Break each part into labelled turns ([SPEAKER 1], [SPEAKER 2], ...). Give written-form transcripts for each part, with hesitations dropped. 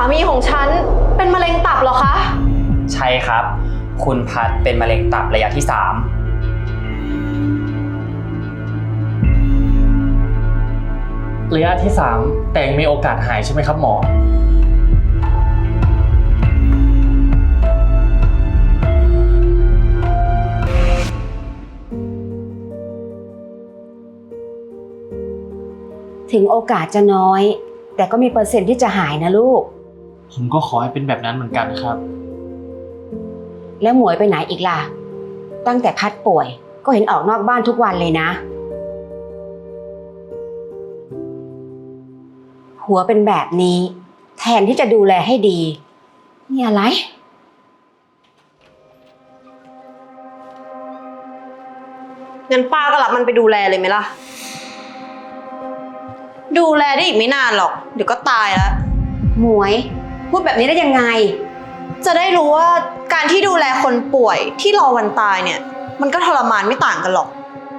[SPEAKER 1] มีของฉันเป็นมะเร็งตับเหรอคะ
[SPEAKER 2] ใช่ครับคุณพัดเป็นมะเร็งตับระยะที่ 3
[SPEAKER 3] ระยะที่ 3แต่ยังมีโอกาสหายใช่ไหมครับหมอ
[SPEAKER 4] ถึงโอกาสจะน้อยแต่ก็มีเปอร์เซ็นต์ที่จะหายนะลูก
[SPEAKER 3] ผมก็ขอให้เป็นแบบนั้นเหมือนกันครับ
[SPEAKER 4] แล้วหมวยไปไหนอีกล่ะตั้งแต่พัดป่วยก็เห็นออกนอกบ้านทุกวันเลยนะหัวเป็นแบบนี้แทนที่จะดูแลให้ดีนี่อะไร
[SPEAKER 1] งั้นป้าก็รับมันไปดูแลเลยไหมล่ะดูแลได้อีกไม่นานหรอกเดี๋ยวก็ตายแล้ว
[SPEAKER 4] หมวยพูดแบบนี้ได้ยังไง
[SPEAKER 1] จะได้รู้ว่าการที่ดูแลคนป่วยที่รอวันตายเนี่ยมันก็ทรมานไม่ต่างกันหรอก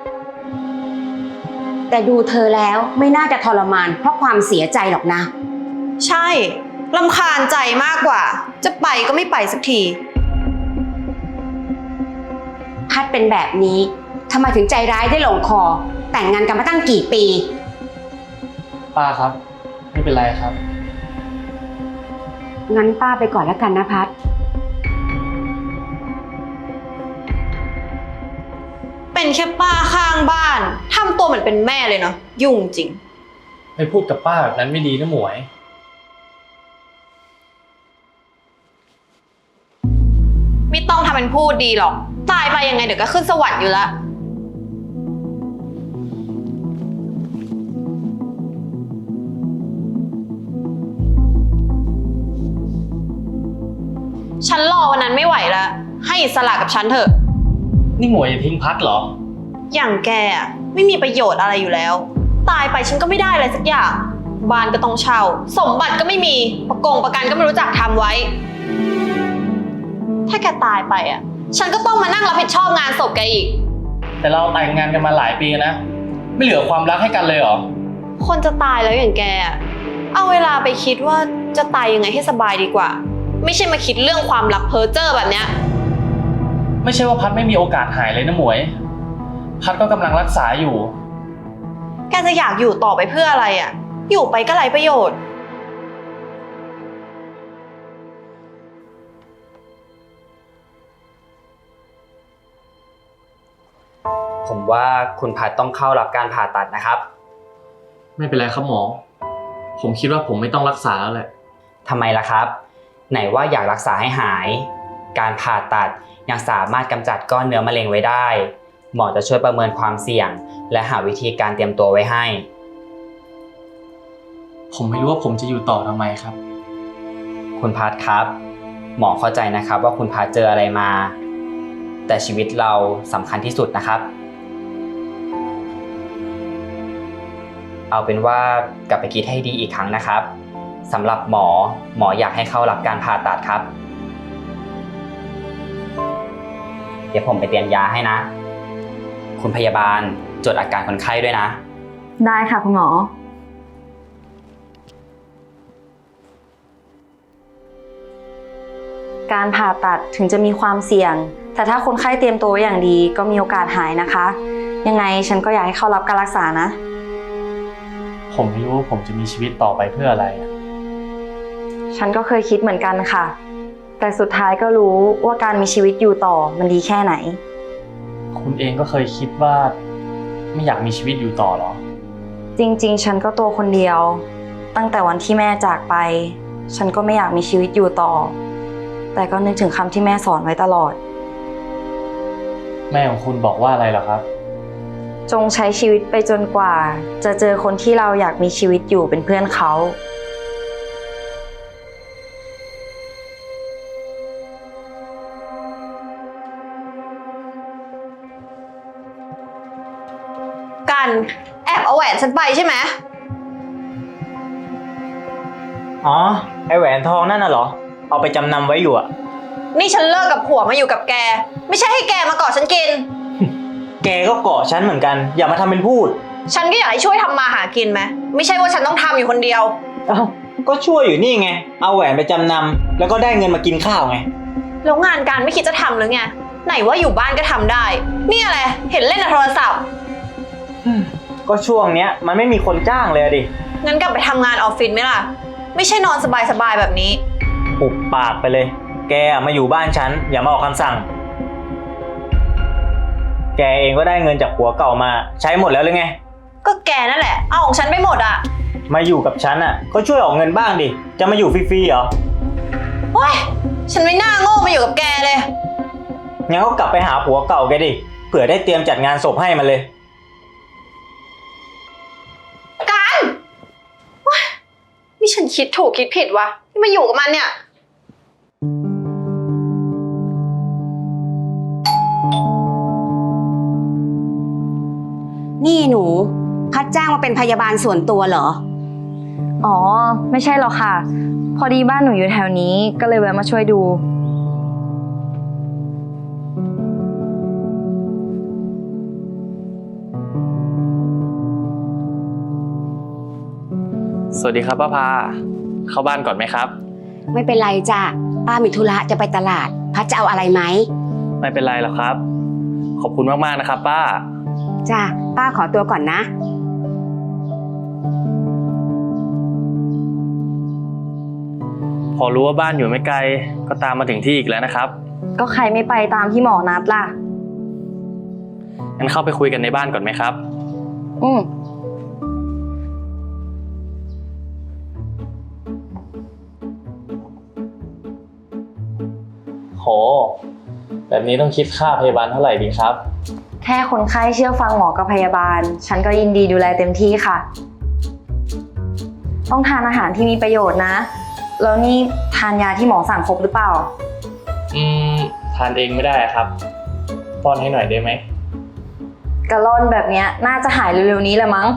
[SPEAKER 4] แต่ดูเธอแล้วไม่น่าจะทรมานเพราะความเสียใจหรอกนะ
[SPEAKER 1] ใช่รำคาญใจมากกว่าจะไปก็ไม่ไปสักที
[SPEAKER 4] พัดเป็นแบบนี้ทำไมถึงใจร้ายได้ลงคอแต่งงานกันมาตั้งกี่ปี
[SPEAKER 3] ป้าครับไม่เป็นไรครับ
[SPEAKER 4] งั้นป้าไปก่อนแล้วกันนะพัด
[SPEAKER 1] เป็นแค่ป้าข้างบ้านทำตัวเหมือนเป็นแม่เลยเนาะยุ่งจริง
[SPEAKER 3] ไปพูดกับป้าแบบนั้นไม่ดีนะหมวย
[SPEAKER 1] ไม่ต้องทำเป็นพูดดีหรอกตายไปยังไงเดี๋ยวก็ขึ้นสวรรค์อยู่ละฉันรอวันนั้นไม่ไหวแล้วให้อิสระกับฉันเถอะ
[SPEAKER 3] นี่หมวยจะทิ้งพัดเหรอ
[SPEAKER 1] อย่างแกอะไม่มีประโยชน์อะไรอยู่แล้วตายไปฉันก็ไม่ได้อะไรสักอย่างบ้านก็ต้องเช่าสมบัติก็ไม่มีประกันก็ไม่รู้จักทำไว้ถ้าแกตายไปอ่ะฉันก็ต้องมานั่งรับผิดชอบงานศพแกอีก
[SPEAKER 3] แต่เราแต่งงานกันมาหลายปีนะไม่เหลือความรักให้กันเลยเหรอ
[SPEAKER 1] คนจะตายแล้วอย่างแกเอาเวลาไปคิดว่าจะตายยังไงให้สบายดีกว่าไม่ใช่มาคิดเรื่องความรักเพ้อเจ้อแบบเนี้ย
[SPEAKER 3] ไม่ใช่ว่าพัดไม่มีโอกาสหายเลยนะหมวยพัดก็กำลังรักษาอยู่
[SPEAKER 1] แกจะอยากอยู่ต่อไปเพื่ออะไรอ่ะอยู่ไปก็ไร้ประโยชน์
[SPEAKER 2] ผมว่าคุณพัดต้องเข้ารับการผ่าตัดนะครับ
[SPEAKER 3] ไม่เป็นไรครับหมอผมคิดว่าผมไม่ต้องรักษาแล้วแหละ
[SPEAKER 2] ทำไมล่ะครับไหนว่าอยากรักษาให้หายการผ่าตัดยังสามารถกำจัดก้อนเนื้อมะเร็งไว้ได้หมอจะช่วยประเมินความเสี่ยงและหาวิธีการเตรียมตัวไว้ให้
[SPEAKER 3] ผมไม่รู้ว่าผมจะอยู่ต่อทำไมครับ
[SPEAKER 2] คุณพัดครับหมอเข้าใจนะครับว่าคุณพัดเจออะไรมาแต่ชีวิตเราสำคัญที่สุดนะครับเอาเป็นว่ากลับไปคิดให้ดีอีกครั้งนะครับสำหรับหมออยากให้เข้ารับการผ่าตัดครับเดี๋ยวผมไปเตรียมยาให้นะคุณพยาบาลจดอาการคนไข้ด้วยนะ
[SPEAKER 5] ได้ค่ะคุณหมอการผ่าตัดถึงจะมีความเสี่ยงแต่ถ้าคนไข้เตรียมตัวอย่างดีก็มีโอกาสหายนะคะยังไงฉันก็อยากให้เข้ารับการรักษานะ
[SPEAKER 3] ผมไม่รู้ว่าผมจะมีชีวิตต่อไปเพื่ออะไร
[SPEAKER 5] ฉันก็เคยคิดเหมือนกันค่ะแต่สุดท้ายก็รู้ว่าการมีชีวิตอยู่ต่อมันดีแค่ไหน
[SPEAKER 3] คุณเองก็เคยคิดว่าไม่อยากมีชีวิตอยู่ต่อหรอ
[SPEAKER 5] จริงๆฉันก็ตัวคนเดียวตั้งแต่วันที่แม่จากไปฉันก็ไม่อยากมีชีวิตอยู่ต่อแต่ก็นึกถึงคำที่แม่สอนไว้ตลอด
[SPEAKER 3] แม่ของคุณบอกว่าอะไรเหรอครับ
[SPEAKER 5] จงใช้ชีวิตไปจนกว่าจะเจอคนที่เราอยากมีชีวิตอยู่เป็นเพื่อนเขา
[SPEAKER 1] กันแอบเอาแหวนฉันไปใช่ไหม
[SPEAKER 6] อ๋อไอแหวนทองนั่นน่ะเหรอเอาไปจำนำไว้อยู่อะ
[SPEAKER 1] นี่ฉันเลิกกับผัวมาอยู่กับแกไม่ใช่ให้แกมาเกาะฉันกิน
[SPEAKER 6] แกก็เกาะฉันเหมือนกันอย่ามาทำเป็นพูด
[SPEAKER 1] ฉันก็อยากให้ช่วยทำมาหากินไหมไม่ใช่ว่าฉันต้องทำอยู่คนเดียว
[SPEAKER 6] อ้าวก็ช่วยอยู่นี่ไง เอาแหวนไปจำนำแล้วก็ได้เงินมากินข้าวไง
[SPEAKER 1] แล้วงานการไม่คิดจะทำหรือไง ไหนว่าอยู่บ้านก็ทำได้ นี่อะไร เห็นเล่นแต่โทรศัพท์
[SPEAKER 6] ก็ช่วงเนี้ยมันไม่มีคนจ้างเลยอะดิ
[SPEAKER 1] งั้นกลับไปทำงานออฟฟิศไหมล่ะ ไม่ใช่นอนสบายๆแบบนี้
[SPEAKER 6] ปุบปากไปเลย แกมาอยู่บ้านฉันอย่ามาออกคำสั่ง แกเองก็ได้เงินจากผัวเก่ามาใช้หมดแล้วหรือไง
[SPEAKER 1] ก็แกนั่นแหละ เอาของฉันไปหมดอ่ะ
[SPEAKER 6] มาอยู่กับฉันอ่ะก็ช่วยออกเงินบ้างดิ จะมาอยู่ฟรีๆเหรอ
[SPEAKER 1] โอ๊ย ฉันไม่น่าโง่มาอยู่กับแกเลย
[SPEAKER 6] งั้นก็กลับไปหาผัวเก่าแกดิ เผื่อได้เตรียมจัดงานศพให้มันเลย
[SPEAKER 1] กันว้ายนี่ฉันคิดถูกคิดผิดวะที่มาอยู่กับมันเนี่ย
[SPEAKER 4] นี่หนู พัดจ้างมาเป็นพยาบาลส่วนตัวเหรอ
[SPEAKER 5] อ๋อ ไม่ใช่หรอกค่ะ พอดีบ้านหนูอยู่แถวนี้ก็เลยแวะมาช่วยดู
[SPEAKER 3] สวัสดีครับป้าพา เข้าบ้านก่อนไหมครับ
[SPEAKER 4] ไม่เป็นไรจ้ะป้ามีธุระจะไปตลาด พัดจะเอาอะไรไหม
[SPEAKER 3] ไม่เป็นไรหรอกครับ ขอบคุณมากๆนะครับป้า
[SPEAKER 4] จ้ะป้าขอตัวก่อนนะ
[SPEAKER 3] พอรู้ว่าบ้านอยู่ไม่ไกลก็ตามมาถึงที่อีกแล้วนะครับ
[SPEAKER 5] ก็ใครไม่ไปตามที่หมอนัดล่ะ
[SPEAKER 3] งั้นเข้าไปคุยกันในบ้านก่อนไหมครับ
[SPEAKER 5] อืม
[SPEAKER 3] โห แบบนี้ต้องคิดค่าพยาบาลเท่าไหร่ดีครับ
[SPEAKER 5] แค่คนไข้เชื่อฟังหมอกับพยาบาล ฉันก็ยินดีดูแลเต็มที่ค่ะ ต้องทานอาหารที่มีประโยชน์นะ แล้วนี่ทานยาที่หมอสั่งครบหรือเปล่า
[SPEAKER 3] ทานเองไม่ได้ครับ ป้อนให้หน่อยได้ไหม
[SPEAKER 5] กระล่อนแบบเนี้ยน่าจะหายเร็วๆนี้แหละมั้ง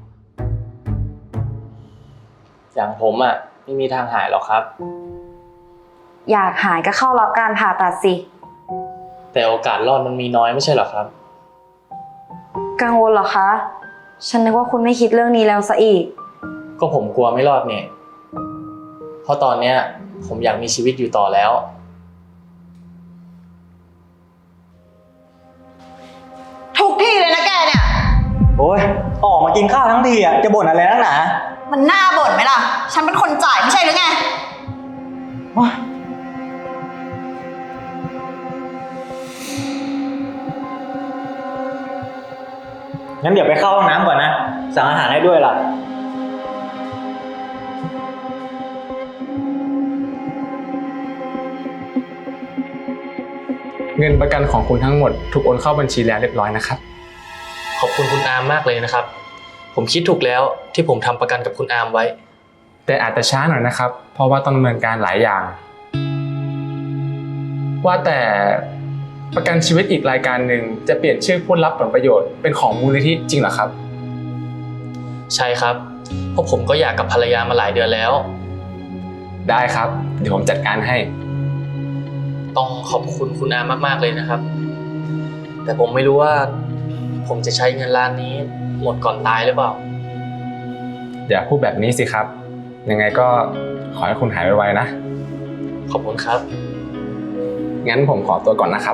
[SPEAKER 3] อย่างผมอ่ะไม่มีทางหายหรอกครับ
[SPEAKER 5] อยากหายก็เข้ารับการผ่าตัดสิ
[SPEAKER 3] แต่โอกาสรอดมันมีน้อยไม่ใช่หรอครับ
[SPEAKER 5] กังวลเหรอคะ ฉันนึกว่าคุณไม่คิดเรื่องนี้แล้วซะอีก
[SPEAKER 3] ก็ผมกลัวไม่รอดเนี่ย เพราะตอนเนี้ยผมอยากมีชีวิตอยู่ต่อแล้ว
[SPEAKER 1] ทุกที่เลยนะแกเนี่ย
[SPEAKER 6] โอ้ยออกมากินข้าวทั้งทีอ่ะจะบ่นอะไรนักหนา
[SPEAKER 1] มันน่าบ่นไหมล่ะ ฉันเป็นคนจ่ายไม่ใช่หรือไง
[SPEAKER 6] ว้ายงั้นเดี๋ยวไปเข้าห้องน้ำก่อนนะ สั่งอาหารให้ด้วยล่ะ
[SPEAKER 7] เงินประกันของคุณทั้งหมดถูกโอนเข้าบัญชีแล้วเรียบร้อยนะครับ
[SPEAKER 3] ขอบคุณคุณอาร์มมากเลยนะครับ ผมคิดถูกแล้วที่ผมทำประกันกับคุณอาร์มไว้
[SPEAKER 7] แต่อาจจะช้าหน่อยนะครับ เพราะว่าต้องดำเนินการหลายอย่าง ว่าแต่ประกันชีวิตอีกรายการหนึ่งจะเปลี่ยนชื่อผู้รับผลประโยชน์เป็นของมูลนิธิจริงเหรอครับ
[SPEAKER 3] ใช่ครับ เพราะผมก็อยากกับภรรยามาหลายเดือนแล้ว
[SPEAKER 7] ได้ครับ เดี๋ยวผมจัดการให้
[SPEAKER 3] ต้องขอบคุณคุณอาร์มมากๆเลยนะครับ แต่ผมไม่รู้ว่าผมจะใช้เงินล้านนี้หมดก่อนตายหรือเปล่า
[SPEAKER 7] อย่าพูดแบบนี้สิครับ ยังไงก็ขอให้คุณหายไวๆนะ
[SPEAKER 3] ขอบคุณครับ
[SPEAKER 7] งั้นผมขอตัวก่อนนะครับ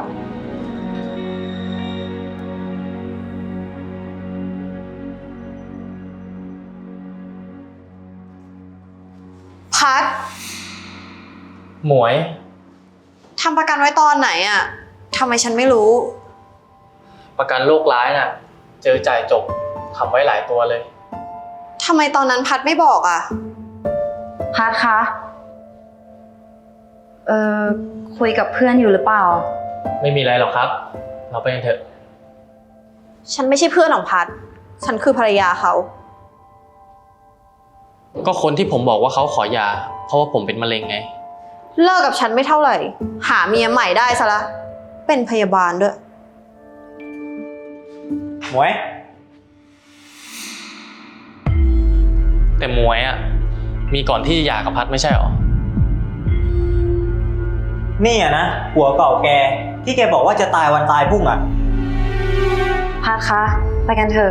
[SPEAKER 1] พัด
[SPEAKER 3] หมวย
[SPEAKER 1] ทำประกันไว้ตอนไหนอะทำไมฉันไม่รู้
[SPEAKER 3] ประกันโรคร้ายน่ะ เจอจ่ายจบทำไว้หลายตัวเลย
[SPEAKER 1] ทำไมตอนนั้นพัดไม่บอกอะ
[SPEAKER 5] พัดคะ คุยกับเพื่อนอยู่หรือเปล่า
[SPEAKER 3] ไม่มีอะไรหรอกครับ เราไปกันเถอะ
[SPEAKER 1] ฉันไม่ใช่เพื่อนของพัด ฉันคือภรรยาเขา
[SPEAKER 3] ก็คนที่ผมบอกว่าเขาขอหย่าเพราะว่าผมเป็นมะเร็งไง
[SPEAKER 1] เลิกกับฉันไม่เท่าไหร่ หาเมียใหม่ได้ซะละ เป็นพยาบาลด้วย
[SPEAKER 6] หมวย
[SPEAKER 3] แต่หมวยอ่ะมีก่อนที่หย่ากับพัดไม่ใช่หรอ
[SPEAKER 6] นี่อ่ะนะผัวเก่าแกที่แกบอกว่าจะตายวันตายพรุ่งอ่ะ
[SPEAKER 5] พัดคะ ไปกันเถอะ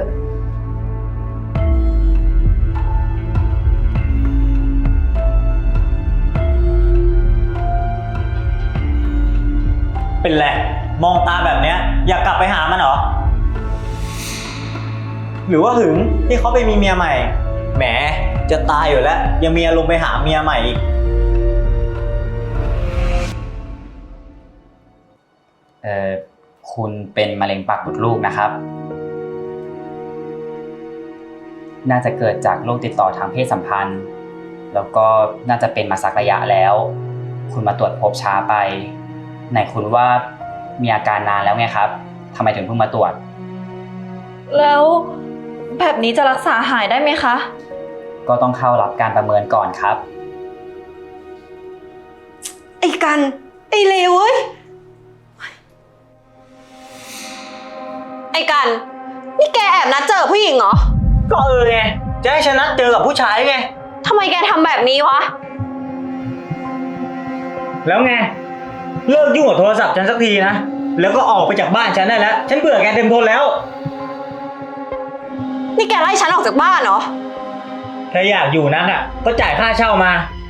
[SPEAKER 6] เป็นไรมองตาแบบเนี้ยอยากกลับไปหามันเหรอ หรือว่าหึงที่เขาไปมีเมียใหม่ แหมจะตายอยู่แล้วยังมีอารมณ์ไปหาเมียใหม่อีก
[SPEAKER 2] คุณเป็นมะเร็งปากมดลูกนะครับ น่าจะเกิดจากโรคติดต่อทางเพศสัมพันธ์ แล้วก็น่าจะเป็นมาสักระยะแล้ว คุณมาตรวจพบช้าไป ไหนคุณว่ามีอาการนานแล้วไงครับทำไมถึงเพิ่งมาตรวจ
[SPEAKER 1] แล้วแบบนี้จะรักษาหายได้ไหมคะ
[SPEAKER 2] ก็ต้องเข้ารับการประเมินก่อนครับ
[SPEAKER 1] ไอ้กัน ไอ้เลวเว้ย ไอ้กัน นี่แกแอบนัดเจอผู้หญิงเหรอ
[SPEAKER 6] ก็ไงจะให้ฉันนัดเจอกับผู้ชายไง
[SPEAKER 1] ทำไมแกทำแบบนี้วะ
[SPEAKER 6] แล้วไงเลิกยุ่งกับโทรศัพท์ฉันสักทีนะแล้วก็ออกไปจากบ้านฉันได้แล้วฉันเบื่อแกเต็มทนแล้ว
[SPEAKER 1] นี่แกไล่ฉันออกจากบ้านเหรอ
[SPEAKER 6] ถ้าอยากอยู่นั้นอ่ะก็จ่ายค่าเช่ามา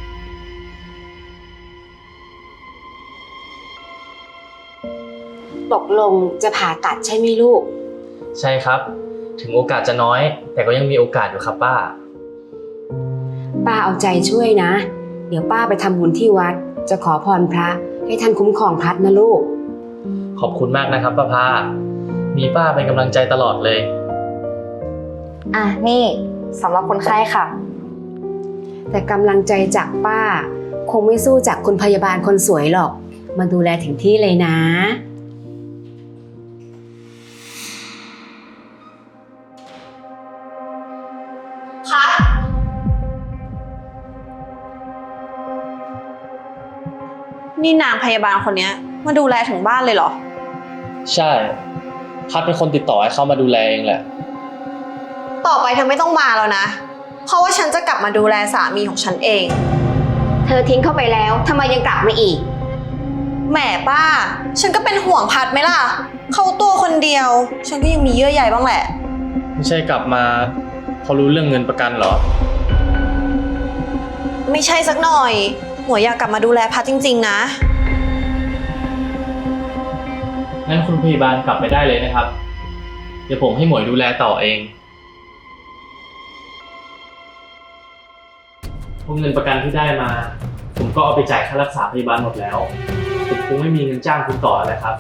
[SPEAKER 4] ตกลงจะผ่าตัดใช่ไหมลูก
[SPEAKER 3] ใช่ครับ ถึงโอกาสจะน้อย แต่ก็ยังมีโอกาสอยู่ครับป้า
[SPEAKER 4] ป้าเอาใจช่วยนะ เดี๋ยวป้าไปทำบุญที่วัด จะขอพรพระให้ท่านคุ้มครองพัดนะลูก
[SPEAKER 3] ขอบคุณมากนะครับป้าพามีป้าเป็นกำลังใจตลอดเลย
[SPEAKER 5] อ่ะนี่สำหรับคนไข้ค่ะ
[SPEAKER 4] แต่กำลังใจจากป้า คงไม่สู้จากคุณพยาบาลคนสวยหรอก มาดูแลถึงที่เลยนะ
[SPEAKER 1] พัด นี่นางพยาบาลคนเนี้ยมาดูแลถึงบ้านเลยเหรอ
[SPEAKER 3] ใช่ พัดเป็นคนติดต่อให้เข้ามาดูแลเองแหละ
[SPEAKER 1] ต่อไปเธอไม่ต้องมาแล้วนะ เพราะว่าฉันจะกลับมาดูแลสามีของฉันเอง
[SPEAKER 4] เธอทิ้งเข้าไปแล้วทำไมยังกลับมาอีก
[SPEAKER 1] แหมป้า ฉันก็เป็นห่วงพัดไหมล่ะ เขาตัวคนเดียว ฉันก็ยังมีเยื่อใยบ้างแหละ
[SPEAKER 3] ไม่ใช่กลับมาเพราะรู้เรื่องเงินประกันเหรอ
[SPEAKER 1] ไม่ใช่สักหน่อยหมวยอยากกลับมาดูแลพัดจริงๆนะ
[SPEAKER 3] งั้นคุณพยาบาลกลับไปได้เลยนะครับ เดี๋ยวผมให้หมวยดูแลต่อเองพวกเงินประกันที่ได้มา ผมก็เอาไปจ่ายค่ารักษาพยาบาลหมดแล้วผมคงไม่มีเงินจ้างคุณต่อแล้วครับ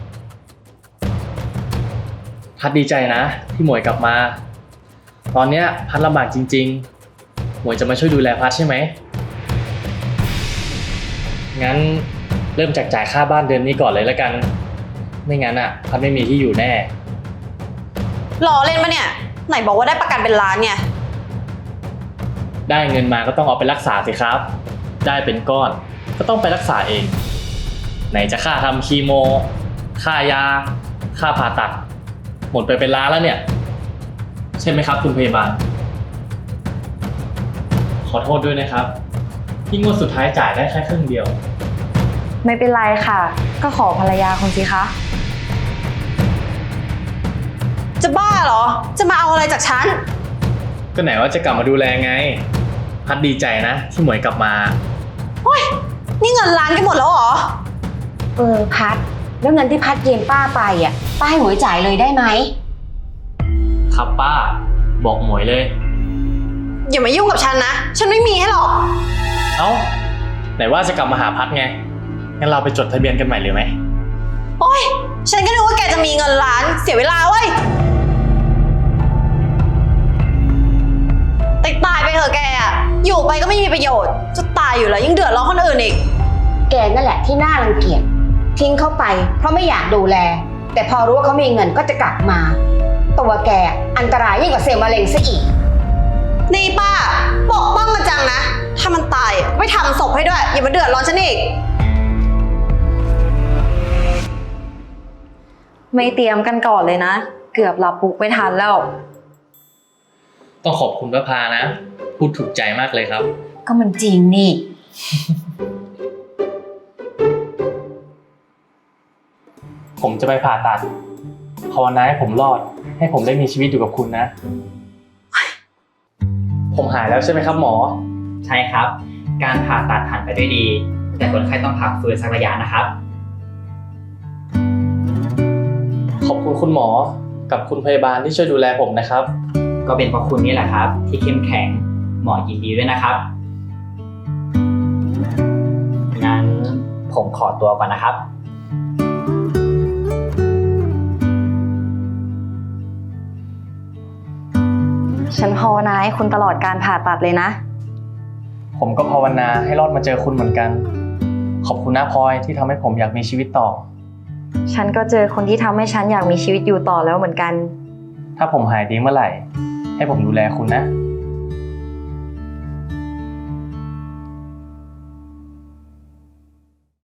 [SPEAKER 3] พัดดีใจนะที่หมวยกลับมา ตอนเนี้ยพัดลำบากจริงๆ หมวยจะมาช่วยดูแลพัดใช่ไหม งั้นเริ่มจากจ่ายค่าบ้านเดือนนี้ก่อนเลยแล้วกัน ไม่งั้นอ่ะพัดไม่มีที่อยู่แน่
[SPEAKER 1] ล้อเล่นปะเนี่ย ไหนบอกว่าได้ประกันเป็นล้านเนี่ย
[SPEAKER 3] ได้เงินมาก็ต้องเอาไปรักษาสิครับ ได้เป็นก้อนก็ต้องไปรักษาเอง ไหนจะค่าทำคีโม ค่ายา ค่าผ่าตัด หมดไปเป็นล้านแล้วเนี่ย ใช่ไหมครับคุณพยาบาล ขอโทษด้วยนะครับ ที่งวดสุดท้ายจ่ายได้แค่ครึ่งเดียว
[SPEAKER 5] ไม่เป็นไรค่ะ ก็ขอภรรยาคุณสิคะ
[SPEAKER 1] จะบ้าเหรอ จะมาเอาอะไรจากฉัน
[SPEAKER 3] ก็ไหนว่าจะกลับมาดูแลไง พัดดีใจนะที่หมวยกลับมา
[SPEAKER 1] นี่เงินล้านกันหมดแล้วเหรอ
[SPEAKER 4] พัด แล้วเงินที่พัดยืมป้าไปอ่ะ ป้าให้หมวยจ่ายเลยได้ไหม
[SPEAKER 3] ครับป้า บอกหมวยเลย
[SPEAKER 1] อย่ามายุ่งกับฉันนะ ฉันไม่มีให้หรอก
[SPEAKER 3] เอ้า ไหนว่าจะกลับมาหาพัดไง งั้นเราไปจดทะเบียนกันใหม่เลยไหม
[SPEAKER 1] โอ๊ย ฉันก็นึกว่าแกจะมีเงินล้าน เสียเวลาเว้ยตายไปเถอะแกอะอยู่ไปก็ไม่มีประโยชน์ จะตายอยู่แล้วยังเดือดร้อนคนอื่นอีก
[SPEAKER 4] แกนั่นแหละที่น่ารังเกียจ ทิ้งเข้าไปเพราะไม่อยากดูแล แต่พอรู้ว่าเขามีเงินก็จะกลับมา ตัวแกอันตรายยิ่งกว่าเซลล์มะเร็งซะอีก
[SPEAKER 1] นี่ป้าปกป้องมันจังนะ ถ้ามันตายก็ไปทำศพให้ด้วย อย่ามาเดือดร้อนฉันอีก
[SPEAKER 5] ไม่เตรียมกันก่อนเลยนะ เกือบหลับปุ๊กไม่ทันแล้ว
[SPEAKER 3] ต้องขอบคุณป้าพานะ พูดถูกใจมากเลยครับ
[SPEAKER 4] ก็มันจริงนี่
[SPEAKER 3] ผมจะไปผ่าตัดภาวนาให้ผมรอด ให้ผมได้มีชีวิตอยู่กับคุณนะ ผมหายแล้วใช่ไหมครับหมอ
[SPEAKER 2] ใช่ครับ การผ่าตัดผ่านไปด้วยดี แต่คนไข้ต้องพักฟื้นสักระยะนะครับ
[SPEAKER 3] ขอบคุณคุณหมอกับคุณพยาบาลที่ช่วยดูแลผมนะครับ
[SPEAKER 2] ก็เป็นเพราะคุณนี่แหละครับ ที่เข้มแข็ง หมอยินดีด้วยนะครับ งั้นผมขอตัวก่อนนะครับ
[SPEAKER 5] ฉันภาวนาให้คุณตลอดการผ่าตัดเลยนะ
[SPEAKER 3] ผมก็ภาวนาให้รอดมาเจอคุณเหมือนกัน ขอบคุณนะพลอยที่ทำให้ผมอยากมีชีวิตต่อ
[SPEAKER 5] ฉันก็เจอคนที่ทำให้ฉันอยากมีชีวิตอยู่ต่อแล้วเหมือนกัน
[SPEAKER 3] ถ้าผมหายดีเมื่อไหร่ ให้ผมดูแลคุณนะ